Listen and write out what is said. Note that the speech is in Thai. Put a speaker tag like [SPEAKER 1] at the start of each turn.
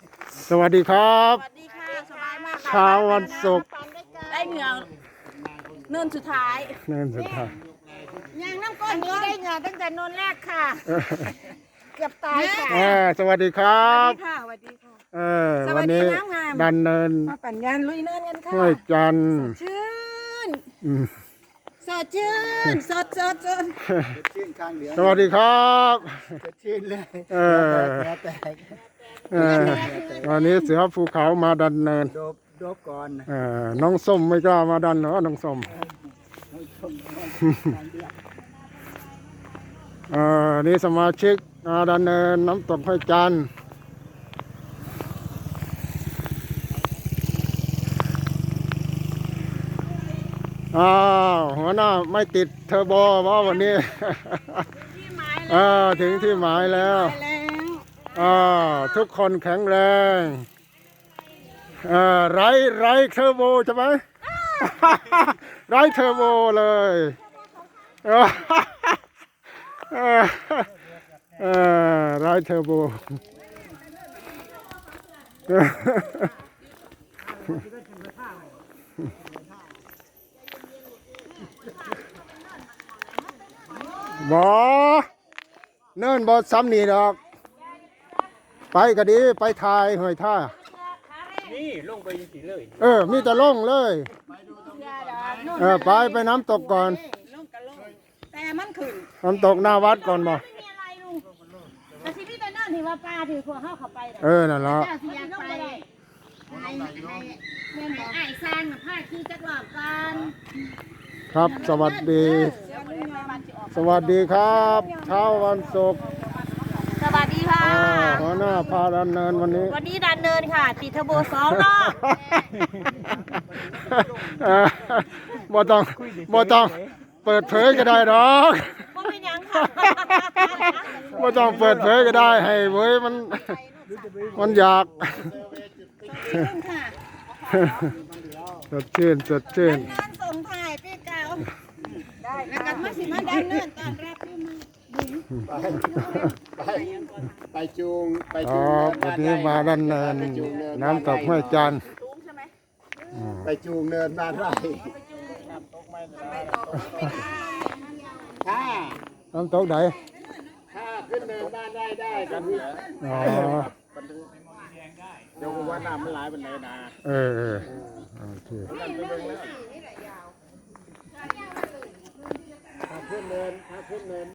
[SPEAKER 1] สวัสดีครับ
[SPEAKER 2] สวัสดีค่ะสบายมากค่ะ
[SPEAKER 1] เช้าวันศุกร์
[SPEAKER 2] ได้เหงื่อเนินสุดท้าย
[SPEAKER 1] เนินสุดท้าย
[SPEAKER 2] ยังน้ำก้อนนี้ได้เหงื่อตั้งแต่นนแรกค่ะเกือบตายค่ะ
[SPEAKER 1] สวัสดีครั
[SPEAKER 2] สวั
[SPEAKER 1] บ
[SPEAKER 2] สดีค่ะสวัสดีค่ะ สวั
[SPEAKER 1] วั
[SPEAKER 2] ส
[SPEAKER 1] น
[SPEAKER 2] ดี
[SPEAKER 1] นี้
[SPEAKER 2] น้ำงาม
[SPEAKER 1] ดันเนิน
[SPEAKER 2] มาปั่นยานลุยเนินกันค่ะ
[SPEAKER 1] ห้วยจันทร์
[SPEAKER 2] ชื่น
[SPEAKER 1] อืม
[SPEAKER 2] สดชื่นสด
[SPEAKER 3] ชื่นข้างเหลือง
[SPEAKER 1] สวัสดีครับ
[SPEAKER 3] ชื่นเลย
[SPEAKER 1] เออ
[SPEAKER 3] เหงื่อแตก
[SPEAKER 1] วันนี้เสือภูเขามาดันเนิน
[SPEAKER 3] โดบก่อน
[SPEAKER 1] น้องส้มไม่กล้ามาดันเหรอน้องส้มนี่สมาชิกมาดันเนินน้ำตกห้วยจันทร์หัวหน้าไม่ติดเทอร์โบว่าวันนี้
[SPEAKER 2] ที่หมายแล้ว
[SPEAKER 1] ถึงที่หมายแล้ว
[SPEAKER 2] ไปแล้ว
[SPEAKER 1] ทุกคนแข็งแรงไร้เทอร์โบใช่ไหม ไร้เทอร์โบเลยไร้เทอร์โบบอเนิ่นบอซ้ำนี่ดอกไปก็ดีไปทายหอยท่า
[SPEAKER 3] นี่ลงไปยังสีเลย
[SPEAKER 1] มีแต่ล่งเลยไปน้ำตกก่อน
[SPEAKER 2] ลงกันลงแต่มันขึ้น
[SPEAKER 1] น้ำตกหน้าวัดก่อนบ่
[SPEAKER 2] ไม่มีอะไรลุงแต่ที่พี่ไปนั่นที่ว่าปลาถือพวกเข้าไป
[SPEAKER 1] นั่นละ
[SPEAKER 2] เจ้าสิอยากไปเม่นบอกไอ้สร้างน่ะผ้าขี้จักรอบกัน
[SPEAKER 1] ครับสวัสดี สวัสดีครับเช้าวันศุกร์
[SPEAKER 2] สวัสดีค่ะ
[SPEAKER 1] หัวหน้าพาดันเนินวันนี้
[SPEAKER 2] วันนี้ดันเนินค่ะ ติดเทอร์โบ2 รอบ
[SPEAKER 1] บ่ต้องเปิดเผยก็ได้ดอก
[SPEAKER 2] ก็เป็นหยังค่ะ
[SPEAKER 1] บ่ต้องเปิดเผยก็ได้ให้เว้ยมันอยาก
[SPEAKER 2] ค่ะ
[SPEAKER 1] สดชื่นสดชื่น
[SPEAKER 2] งานส่งถ่ายปีเก่าได้แล้วกันมาสิมาดันเนินตอนรับพี่มือ
[SPEAKER 3] ไปจูงไป
[SPEAKER 1] อ๋
[SPEAKER 3] จู
[SPEAKER 1] อง วันนี้มาดันเนินน้ำตกห้วยจันทร์
[SPEAKER 2] สูงใช่ไหม
[SPEAKER 3] ไปจูงเนินบ้านไร่ถ้า
[SPEAKER 1] น้ำตกไหน
[SPEAKER 3] ถ้าขึ้นเนินบ้านไร่ได้ก็คือ
[SPEAKER 1] อ๋อ
[SPEAKER 3] เดี๋ยวว่าน้ำมันไหลเป็นไรนะ
[SPEAKER 1] โอเค
[SPEAKER 3] ถ้าขึ้นเนิน